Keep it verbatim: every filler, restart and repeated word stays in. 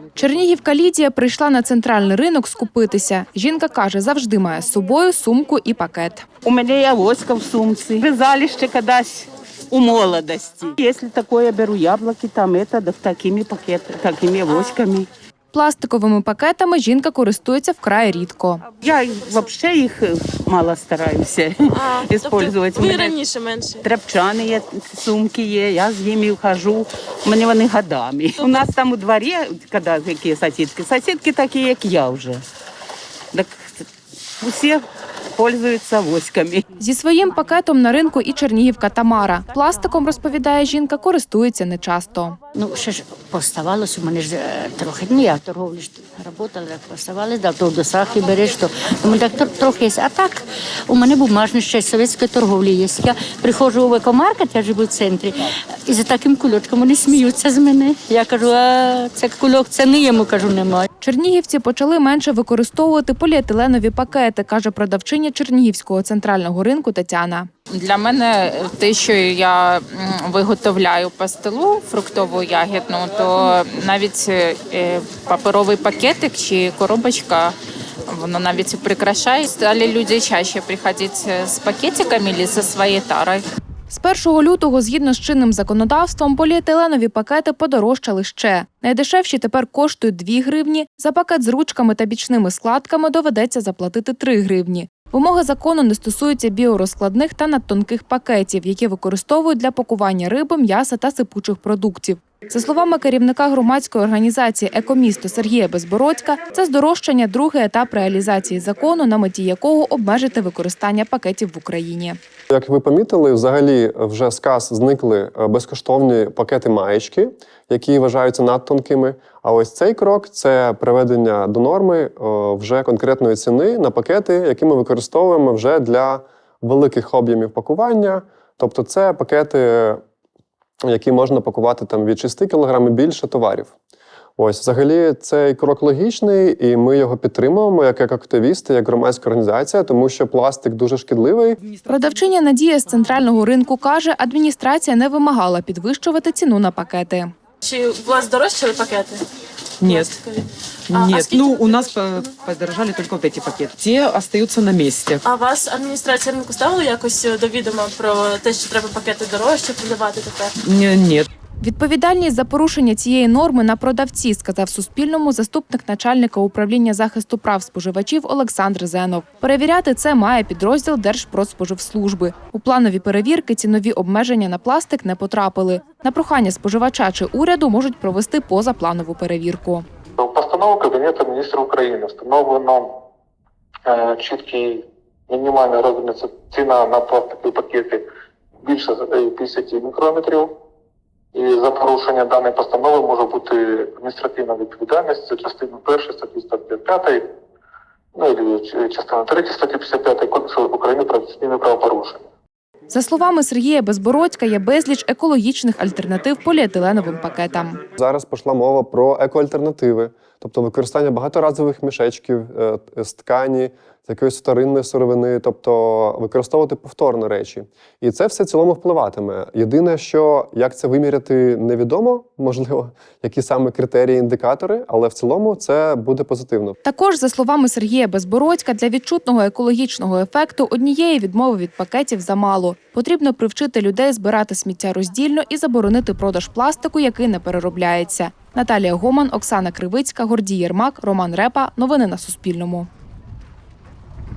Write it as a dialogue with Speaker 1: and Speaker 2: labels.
Speaker 1: Чернігівка Лідія прийшла на центральний ринок скупитися. Жінка каже, завжди має з собою сумку і пакет.
Speaker 2: У мене є авоська в сумці. Вязали ще колись у молодості. Якщо таке, я беру яблуки, там это, да, такими пакетами, такими авоськами.
Speaker 1: Пластиковими пакетами жінка користується вкрай рідко.
Speaker 2: Я взагалі їх мало стараюся використовувати.
Speaker 3: Тобто ви раніше менше?
Speaker 2: Тряпчані є, сумки є, я з ними хожу, у мене вони годами. У нас там у дворі, коли які сусідки, сусідки такі, як я вже. Так усі користуються авоськами.
Speaker 1: Зі своїм пакетом на ринку і чернігівка Тамара. Пластиком, розповідає жінка, користується нечасто.
Speaker 4: Ну, ще ж поставалось, у мене ж трохи, ну я в торговлі ж працювала, так поставалось, да, то до сахи береш, то у мене так трохи є. А так, у мене бумажні ще з совєтської торговлі є. Я приходжу в екомаркет, я живу в центрі, і за таким кульочком вони сміються з мене. Я кажу, а це кульок, це не йому, кажу, немає.
Speaker 1: Чернігівці почали менше використовувати поліетиленові пакети, каже продавчиня Чернігівського центрального ринку Тетяна.
Speaker 5: Для мене те, що я виготовляю пастилу фруктову ягідну, то навіть паперовий пакетик чи коробочка, воно навіть прикрашає. Стали люди чаще приходити з пакетиками або зі своєю тарою.
Speaker 1: З першого лютого, згідно з чинним законодавством, поліетиленові пакети подорожчали ще. Найдешевші тепер коштують дві гривні, за пакет з ручками та бічними складками доведеться заплатити три гривні. Вимоги закону не стосуються біорозкладних та надтонких пакетів, які використовують для пакування риби, м'яса та сипучих продуктів. За словами керівника громадської організації «Екомісто» Сергія Безбородька, це здорожчання – другий етап реалізації закону, на меті якого обмежити використання пакетів в Україні.
Speaker 6: Як ви помітили, взагалі вже з кас зникли безкоштовні пакети-маєчки, які вважаються надтонкими. А ось цей крок – це приведення до норми вже конкретної ціни на пакети, які ми використовуємо вже для великих об'ємів пакування. Тобто це пакети, які можна пакувати там від шести кілограмів більше товарів. Ось, взагалі, цей крок логічний, і ми його підтримуємо як, як активісти, як громадська організація, тому що пластик дуже шкідливий.
Speaker 1: Продавчиня Надія з центрального ринку каже, адміністрація не вимагала підвищувати ціну на пакети.
Speaker 3: Чи у вас дорожчали пакети?
Speaker 7: Нет.
Speaker 3: А,
Speaker 7: Нет,
Speaker 3: а
Speaker 7: ну у нас подорожали только вот эти пакеты. Те остаются на месте.
Speaker 3: А вас адміністрація ринку ставила якось до відома про те, що треба пакети дорожче продавати тепер?
Speaker 7: Нет.
Speaker 1: Відповідальність за порушення цієї норми на продавці, сказав Суспільному заступник начальника управління захисту прав споживачів Олександр Зенов. Перевіряти це має підрозділ Держпродспоживслужби. У планові перевірки цінові обмеження на пластик не потрапили. На прохання споживача чи уряду можуть провести позапланову перевірку.
Speaker 8: Постановою Кабінету міністрів України встановлено е, чіткий мінімальний розмір ціна на пластикові пакети більше п'ятдесят мікрометрів. І за порушення даної постанови може бути адміністративна відповідальність. Це частина перша статті сто п'ять, ну і частина третя статті п'ятдесят п'ять Кодексу України про адміністративне правопорушення.
Speaker 1: За словами Сергія Безбородька, є безліч екологічних альтернатив поліетиленовим пакетам.
Speaker 6: Зараз пішла мова про екоальтернативи, тобто використання багаторазових мішечків з ткані, з якоїсь вторинної сировини, тобто використовувати повторно речі. І це все в цілому впливатиме. Єдине, що як це виміряти, невідомо, можливо, які саме критерії, індикатори, але в цілому це буде позитивно.
Speaker 1: Також, за словами Сергія Безбородька, для відчутного екологічного ефекту однієї відмови від пакетів замало. Потрібно привчити людей збирати сміття роздільно і заборонити продаж пластику, який не переробляється. Наталія Гоман, Оксана Кривицька, Гордій Єрмак, Роман Репа. Новини на Суспільному.